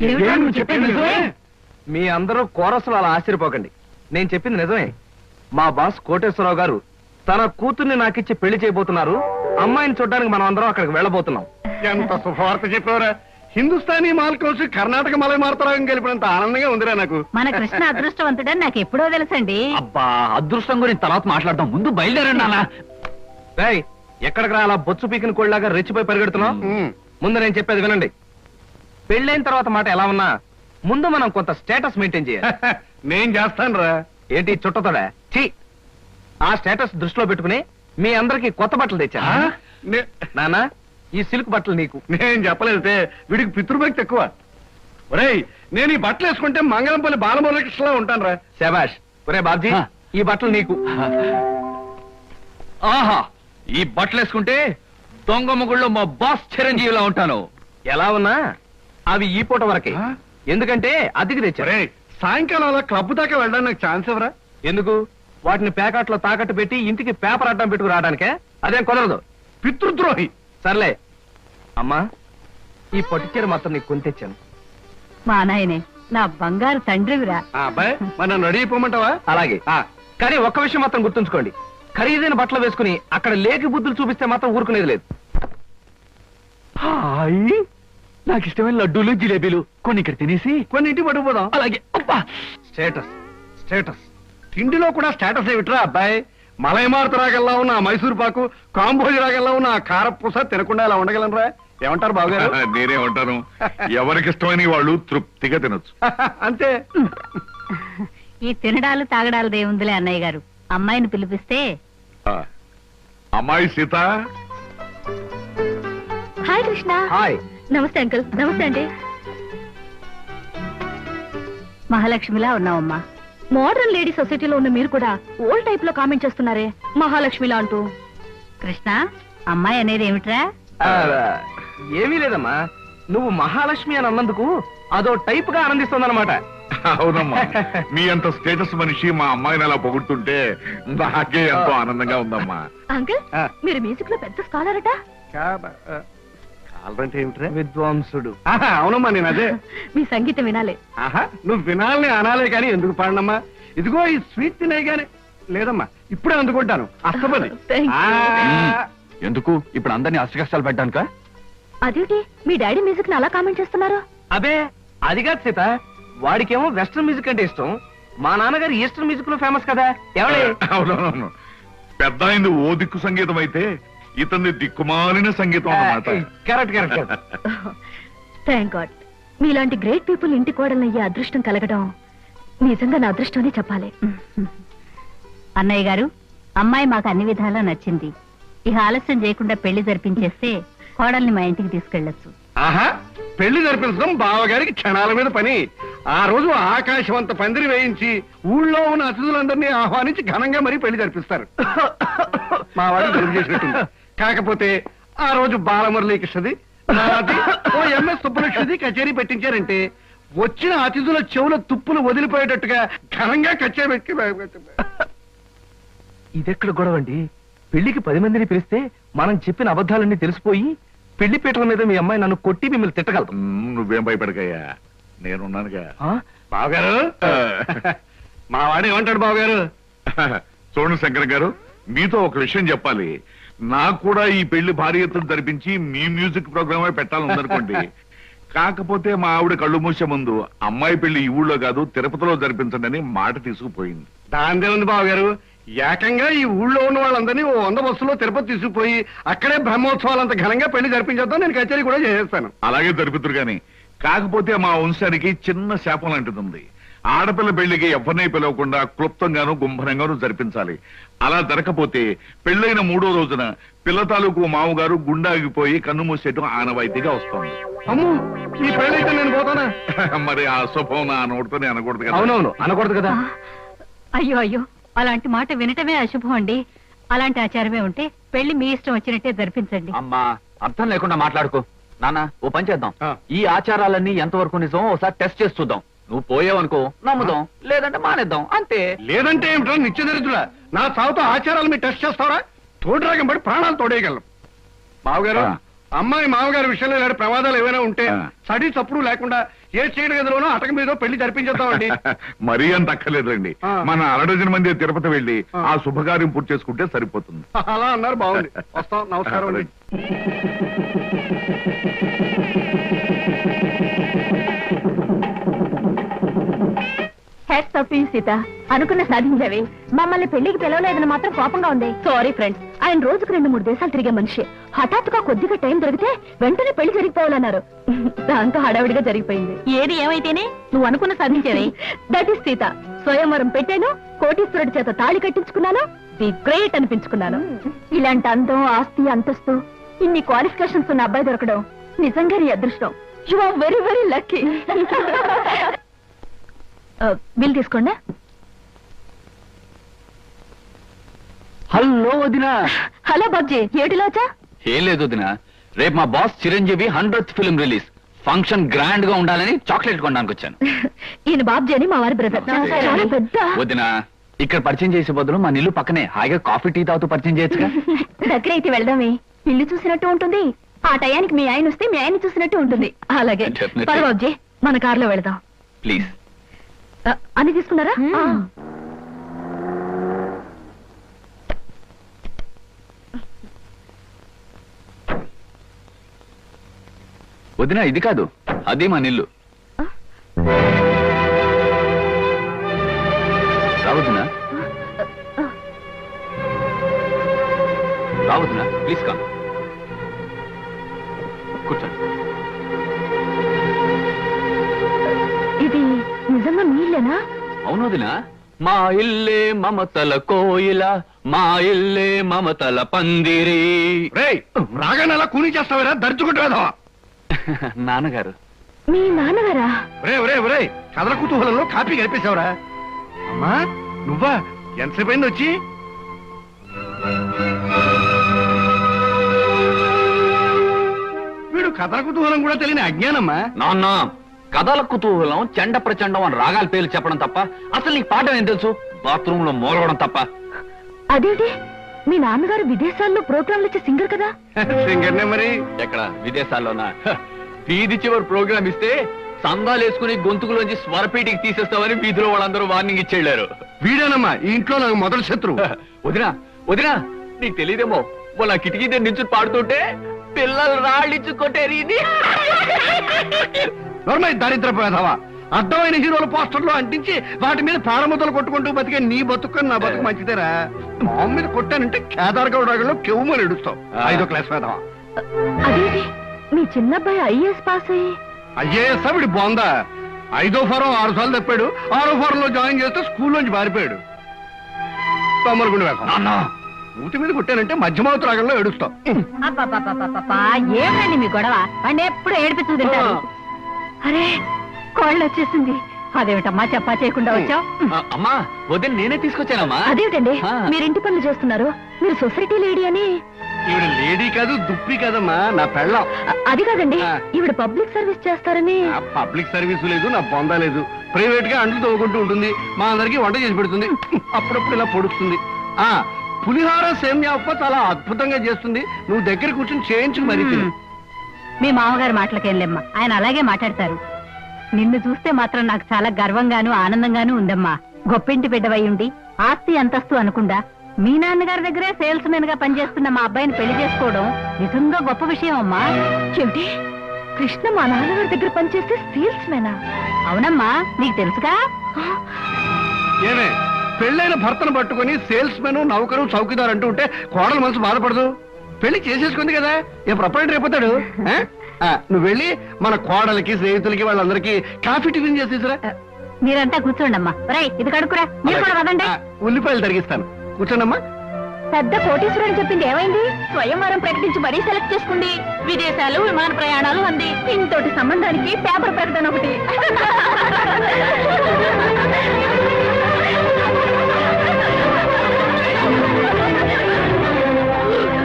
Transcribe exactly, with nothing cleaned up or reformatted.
మీ అందరూ కోరసులు అలా ఆశ్చర్యపోకండి. నేను చెప్పింది నిజమే. మా బాస్ కోటేశ్వరరావు గారు తన కూతుర్ని నాకిచ్చి పెళ్లి చేయబోతున్నారు. అమ్మాయిని చూడడానికి మనం అందరం అక్కడికి వెళ్ళబోతున్నాం. ఎంత శుభవార్త చెప్పారా! హిందుస్థానీ మాల్ కలిసి కర్ణాటక మలై మారుతరాగం కలిపినంత ఆనందంగా ఉందిరా నాకు. మన కృష్ణ అదృష్టవంతుడని నాకు ఎప్పుడో తెలుసండి. అబ్బా, అదృష్టం గురించి తర్వాత మాట్లాడదాం, ముందు బయలుదేరండి అలా. ఎక్కడికి రా అలా బొచ్చు పీకిన కోళ్ళలాగా రెచ్చిపోయి పరిగెడుతున్నాం? ముందు నేను చెప్పేది వినండి. పెళ్ళైన తర్వాత మాట ఎలా ఉన్నా ముందు మనం కొంత స్టేటస్ మెయింటైన్ చేయాలి. నేను చేస్తాను రా. ఏంటి చుట్టతోడా? ఛీ! ఆ స్టేటస్ దృష్టిలో పెట్టుకుని మీ అందరికి కొత్త బట్టలు తెచ్చా. నానా, ఈ సిల్క్ బట్టలు నీకు. నేను చెప్పలేదే, వీడికి పితృభక్తి ఎక్కువ. ఒరేయ్, నేను ఈ బట్టలు వేసుకుంటే మంగళంపల్లి బాలమురళకృష్ణలా ఉంటాను రా. శభాష్. ఒరే బాబ్జీ, ఈ బట్టలు నీకు. ఆహా, ఈ బట్టలు వేసుకుంటే దొంగ మొగుళ్ళో మా బాస్ చిరంజీవిలా ఉంటాను. ఎలా ఉన్నా అవి ఈ పూట వరకే, ఎందుకంటే అద్దెకి తెచ్చారే. సాయంకాలం అలా క్లబ్ దాకా వెళ్ళడానికి నాకు ఛాన్స్ ఎవరా? ఎందుకు? వాటిని ప్యాకెట్లో తాకట్టు పెట్టి ఇంటికి పేపర్ అడ్డం పెట్టుకు రావడానికే. అదేం కుదరదు. పితృద్రోహి. సర్లే అమ్మా, ఈ పట్టుచీర మొత్తం నీకు కొని తెచ్చాను. మా నాయనే, నా బంగారు తండ్రివిరా. అబ్బాయి, మరి నన్ను రెడీ అయిపోమంటావా? అలాగే. కానీ ఒక్క విషయం మాత్రం గుర్తుంచుకోండి, ఖరీదైన బట్టలు వేసుకుని అక్కడ లేకి బుద్ధులు చూపిస్తే మాత్రం ఊరుకునేది లేదు. నాకు ఇష్టమైన లడ్డూలు జిలేబీలు కొన్ని ఇక్కడ తినేసి కొన్ని ఇంటికి పట్టుకుపోదాం. అలాగే. స్టేటస్ స్టేటస్ తిండిలో కూడా స్టేటస్ ఏమిట్రా అబ్బాయి? మలైమారుత రాగల్లా ఉన్న మైసూర్ పాకు, కాంబోజి రాగల్లా ఉన్న కారపూస తినకుండా ఇలా ఉండగలనరా? ఏమంటారు బావగారు? నేనే ఉంటాను. ఎవరికి ఇష్టమైన వాళ్ళు తృప్తిగా తినొచ్చు. అంతే. ఈ తినడాలు తాగడాలు దేవుందిలే అన్నయ్య గారు. అమ్మాయిని పిలిపిస్తే. అమ్మాయి సీత. హాయ్ కృష్ణ. హాయ్. నమస్తే అంకుల్. నమస్తే అండి. మహాలక్ష్మిలా ఉన్నావమ్మా. మోడర్న్ లేడీ సొసైటీలో ఉన్న మీరు కూడా ఓల్డ్ టైప్ లో కామెంట్ చేస్తున్నారే మహాలక్ష్మిలా అంటూ. కృష్ణ, అమ్మాయి అనేది ఏమిట్రా? ఏమీ లేదమ్మా, నువ్వు మహాలక్ష్మి అని అన్నందుకు అదో టైప్ గా ఆనందిస్తుందన్నమాట. అవునమ్మా, మీ అంత స్టేటస్ మనిషి మా అమ్మాయిని అలా పొగుడుతుంటే నాకే ఎంతో ఆనందంగా ఉందమ్మా. అంకుల్, మీరు మ్యూజిక్ లో పెద్ద స్కాలర్ అట. అంటే ఏమిట్రా? విద్వాంసుడు. అవునమ్మా, నేను అదే. మీ సంగీతం వినాలే. ఆహా, నువ్వు వినాలని అనాలే కానీ ఎందుకు పాడనమ్మా? ఇదిగో ఈ స్వీట్ తినే గానీ. లేదమ్మా, ఇప్పుడే అందుకుంటాను. అస్తపది. ఎందుకు ఇప్పుడు అందరినీ అష్టకష్టాలు పెట్టడానిక? అదేంటి మీ డాడీ మ్యూజిక్ ని అలా కామెంట్ చేస్తున్నారు? అబే, అది కాదు సీత, వాడికేమో వెస్టర్న్ మ్యూజిక్ అంటే ఇష్టం. మా నాన్నగారు ఈస్టర్న్ మ్యూజిక్ లో ఫేమస్ కదా. ఎవడే? అవునవును, పెద్ద అయింది ఓ దిక్కు సంగీతం అయితే ఇతన్ని దిక్కుమాలిన సంగీతం అన్నమాట. Correct correct. థ్యాంక్ గాడ్, మీలాంటి గ్రేట్ పీపుల్ ఇంటి కోడలయ్యే అదృష్టం కలగడం నిజంగా నా అదృష్టం అని చెప్పాలి. అన్నయ్య గారు, అమ్మాయి మాకు అన్ని విధాలా నచ్చింది. ఇక ఆలస్యం చేయకుండా పెళ్లి జరిపించేస్తే కోడల్ని మా ఇంటికి తీసుకెళ్లొచ్చు. ఆహా, పెళ్లి జరిపించడం బావగారికి క్షణాల మీద పని. ఆ రోజు ఆకాశవంత పందిరి వేయించి ఊళ్ళో ఉన్న అతిథులందరినీ ఆహ్వానించి ఘనంగా మరీ పెళ్లి జరిపిస్తారు. మా వాడు జరుపు చేసినట్టుంది. కాకపోతే ఆ రోజు బాలమురళీకృష్ణది, నాది, ఓ ఎంఎస్ సుబ్బలక్ష్మిది కచేరీ పెట్టించారంటే వచ్చిన అతిథుల చెవుల తుప్పులు వదిలిపోయేటట్టుగా ఘనంగా కచేరీ పెట్టి. ఇదెక్కడ గొడవండి? పెళ్లికి పది మందిని పిలిస్తే మనం చెప్పిన అబద్ధాలన్నీ తెలిసిపోయి పెళ్లి పీటల మీద మీ అమ్మాయి నన్ను కొట్టి మిమ్మల్ని తిట్టగలదు. నువ్వేం భయపడకయ్యా, నేనున్నానుగా. బావగారు, మా వాడు ఏమంటాడు బావగారు? చూడండి శంకర్ గారు, మీతో ఒక విషయం చెప్పాలి. నాకు కూడా ఈ పెళ్లి భారీ ఎత్తున జరిపించి మీ మ్యూజిక్ ప్రోగ్రామే పెట్టాలనుకోండి. కాకపోతే మా ఆవిడ కళ్ళు మూసే ముందు అమ్మాయి పెళ్లి ఈ ఊళ్ళో కాదు తిరుపతిలో జరిపించండి అని మాట తీసుకుపోయింది. దాందే ఉంది బావగారు, ఏకంగా ఈ ఊళ్ళో ఉన్న వాళ్ళందరినీ ఓ వంద బస్సులో తిరుపతి తీసుకుపోయి అక్కడే బ్రహ్మోత్సవాలంత ఘనంగా పెళ్లి జరిపించేద్దాం. నేను కచేరీ కూడా చేసేస్తాను. అలాగే జరుపుతురు గాని, కాకపోతే మా వంశానికి చిన్న శాపం లాంటిది ఉంది. ఆడపిల్ల పెళ్లికి ఎవరిని పిలవకుండా క్లుప్తంగాను గుంభనంగాను జరిపించాలి. అలా జరగకపోతే పెళ్లైన మూడో రోజున పిల్ల తాలూకు మామగారు గుండాగిపోయి కన్ను మూసేయటం ఆనవాయితీగా వస్తుంది. అమ్మో, ఈ పెళ్ళైతే నేను పోతానా? మరి ఆ శుభం నా నోటితోనే అనకూడదు కదా. అవునవును, అనకూడదు కదా. అయ్యో అయ్యో, అలాంటి మాట వినటమే అశుభం అండి. అలాంటి ఆచారమే ఉంటే పెళ్లి మీ ఇష్టం వచ్చినట్టే జరిపించండి. అమ్మా, అర్థం లేకుండా మాట్లాడుకో. నాన్న, ఓ పని చేద్దాం. ఈ ఆచారాలన్నీ ఎంతవరకు నిజం ఒకసారి టెస్ట్ చేసి చూద్దాం. నువ్వు పోయావనుకో నమ్ముదాం, లేదంటే మానేద్దాం, అంతే. లేదంటే ఏమిటో నిత్యదరిద్రుడా, నా సాగుతో ఆచారాలు మీరు టెస్ట్ చేస్తారా? తోడు రాగం పడి ప్రాణాలు తోడేయగలం. బావగారు, అమ్మాయి మామగారి విషయంలో ఇలాంటి ప్రమాదాలు ఏమైనా ఉంటే ఆ. సడి చప్పుడు లేకుండా ఏ చీడ గదిలోనో అటక మీద పెళ్లి జరిపించేద్దామండి. మరీ అంత అక్కర్లేదండి. ఆ. మన అరడజన మంది తిరుపతి వెళ్ళి ఆ. ఆ శుభకార్యం పూర్తి చేసుకుంటే సరిపోతుంది. అలా అన్నారు, బాగుంది. వస్తాం, నమస్కారం అండి. Hats off to you Sita, అనుకున్న సాధించావి. మమ్మల్ని పెళ్లికి పిలవలేదని మాత్రం కోపంగా ఉంది. సారీ ఫ్రెండ్స్, ఆయన రోజుకు రెండు మూడు దేశాలు తిరిగే మనిషి. హఠాత్తుగా కొద్దిగా టైం దొరికితే వెంటనే పెళ్లి జరిగిపోవాలన్నారు. దాంతో హడావిడిగా జరిగిపోయింది. ఏది ఏమైతేనే నువ్వు అనుకున్న సాధించావి. That is Sita. స్వయంవరం పెట్టాను, కోటీశ్వరుడి చేత తాళి కట్టించుకున్నాను, ది గ్రేట్ అనిపించుకున్నాను. ఇలాంటి అందం, ఆస్తి, అంతస్తు, ఇన్ని క్వాలిఫికేషన్స్ ఉన్న అబ్బాయి దొరకడం నిజంగా నీ అదృష్టం. You are very very lucky. Bill తీసుకోండి. హలో వదినా. హలో బాబ్జీ, ఏటిలోచా? ఏం లేదు వదినా, రేపు మా boss Chiranjeevi hundred film release. Function grand గా ఉండాలని చాక్లెట్ కొనడానికి వచ్చాను. ఈయన బాబ్జీ అని మా వారి బ్రదర్. చాలా పెద్ద. వదినా, ఇక్కడ పరిచయం చేసే బదులు మా నిల్లు పక్కనే హాయిగా కాఫీ టీ తాగుతూ పరిచయం చేయొచ్చుగా. దగ్గర అయితే వెళ్దామే, ఇల్లు చూసినట్టు ఉంటుంది. ఆ టయానికి మీ ఆయన వస్తే మీ ఆయన చూసినట్టు ఉంటుంది. అలాగే Definitely. పద బాబ్జీ, మన కారులో వెళదాం. ప్లీజ్. ఆ, అన్ని తీసుకున్నారా? ఆ. వదినా, ఇది కాదు, అదే మా నిల్లు. రావద్దునా, రావద్దునా, ప్లీజ్ కమ్. కూర్చోండి. ఇది నిజంగా మీ ఇల్లేనా? అవును వదినా, మా ఇల్లే మమతల కోయిల, మా ఇల్లే మమతల పందిరి. రేయ్, రాగానే అలా కూని చేస్తావరా, దర్చుకుంటావా? నాన్నగారు. మీ నాన్నగారా? రే రే రే, కథల కుతూహలంలో కాపీ కలిపేశావురా. అమ్మా నువ్వా? ఎంతసేపు అయింది వచ్చి? వీడు కథల కుతూహలం కూడా తెలియని అజ్ఞానమ్మా. నాన్న, కథల కుతూహలం, చెండ ప్రచండం అని రాగాల పేర్లు చెప్పడం తప్ప అసలు నీకు పాఠం ఏం తెలుసు? బాత్రూమ్ లో మూలవడం తప్ప. అదేంటి, మీ నాన్నగారు విదేశాల్లో ప్రోగ్రాంలు ఇచ్చే సింగర్ కదా? సింగర్నే మరి. ఎక్కడ విదేశాల్లోనా? హ, వీధి చివరి ప్రోగ్రామ్ ఇస్తే సందాలు వేసుకుని గొంతుకులోంచి స్వరపేటికి తీసేస్తామని వీధిలో వాళ్ళందరూ వార్నింగ్ ఇచ్చేళ్లారు. వీడేనమ్మా ఈ ఇంట్లో నాకు మొదటి శత్రు. వదినా వదినా, నీకు తెలియదేమో, వాళ్ళ కిటికీ దగ్గర నుంచి పాడుతుంటే పిల్లలు రాళ్ళిచ్చు కొట్టేరి. నోర్మై దరిద్ర పేదవా, అడ్డమైన హీరోల పోస్టర్లు అంటించి వాటి మీద ప్రాణముద్దలు కొట్టుకుంటూ బతికే నీ బతుకు నా బతుకు మంచిదేరా. మామ మీద కొట్టానంటే కేదార్గౌడలో కెవ్వుమని ఎడుస్తావు. ఐదో క్లాస్ పేదవా. అదేంటి, మీ చిన్నబ్బాయి ఐఏఎస్ పాస్ అయ్యి? అయ్యేస్తా వీడి బోందా. ఐదో ఫారం ఆరు సార్లు తప్పాడు, ఆరో ఫారం లో జాయిన్ చేస్తే స్కూల్లోంచి పారిపోయాడు. తొమ్మలగుండి వేస్తాం. ఊటి మీద కొట్టానంటే మధ్యమావతి రాగంలో ఏడుస్తావు. ఏమండి మీ గొడవ? వాడిని ఎప్పుడు ఏడిపిస్తూ తింటారు. అరే, కోళ్ళు వచ్చేసింది. అదేమిటమ్మా చెప్పా చేయకుండా వచ్చావు? అమ్మా, వదిన నేనే తీసుకొచ్చానమ్మా. అదేమిటండి, ఆ. మీరు ఇంటి పనులు చేస్తున్నారు, మీరు సొసైటీ లేడీ అని? ఈవిడ లేడీ కాదు, దుప్పి కాదమ్మా, నా పెళ్ళం. అ- అది కాదండి, ఆ. ఈవిడ పబ్లిక్ సర్వీస్ చేస్తారని. నా పబ్లిక్ సర్వీస్ లేదు, నా బొందా లేదు. ప్రైవేట్ గా అంట్లు తవ్వుకుంటూ ఉంటుంది, మా అందరికి వంట చేసి పెడుతుంది, అప్పుడప్పుడు ఇలా పొడుస్తుంది. ఆ పులిహార సేమ్యా ఉప్ప చాలా అద్భుతంగా చేస్తుంది. నువ్వు దగ్గర కూర్చొని చేయించు మరి తిను. మీ మామగారు మాటలకేం లేమ్మా, ఆయన అలాగే మాట్లాడతారు. నిన్ను చూస్తే మాత్రం నాకు చాలా గర్వంగాను ఆనందంగాను ఉందమ్మా. గొప్పింటి బిడ్డవై ఉండి ఆస్తి అంతస్తు అనుకుండా మీ నాన్నగారి దగ్గరే సేల్స్ మెన్ గా పనిచేస్తున్న మా అబ్బాయిని పెళ్లి చేసుకోవడం నిజంగా గొప్ప విషయం అమ్మా. ఏమిటి, కృష్ణ మా నాన్నగారి దగ్గర పనిచేస్తే సేల్స్ మెనా? అవునమ్మా, నీకు తెలుసుగా. ఏమే, పెళ్ళైన భర్తను పట్టుకుని సేల్స్ మెన్, నౌకరు, చౌకీదార్ అంటూ ఉంటే కోడల మనసు బాధపడదు. పెళ్లి చేసేసుకుంది కదా, ఏ ప్రొపరేటర్ అయిపోతాడు. ఆ? ఆ, నువ్వు వెళ్ళి మన కోడలకి, స్నేహితులకి, వాళ్ళందరికీ కాఫీ టిఫిన్ చేసేసిరా. మీరంతా కూర్చోండమ్మా. రై, ఇది కడుకురా. మీరు కూడా వదండి. ఆ, ఉల్లిపాయలు తరిగిస్తాను, కూర్చోండమ్మా. పెద్ద కోటీశ్వరుడు చెప్పింది ఏమైంది? స్వయంవరం ప్రకటించి మరీ సెలెక్ట్ చేసుకుంది. విదేశాలు, విమాన ప్రయాణాలు అంది. ఇంతటి సంబంధానికి పేపర్ ప్రకటన ఒకటి.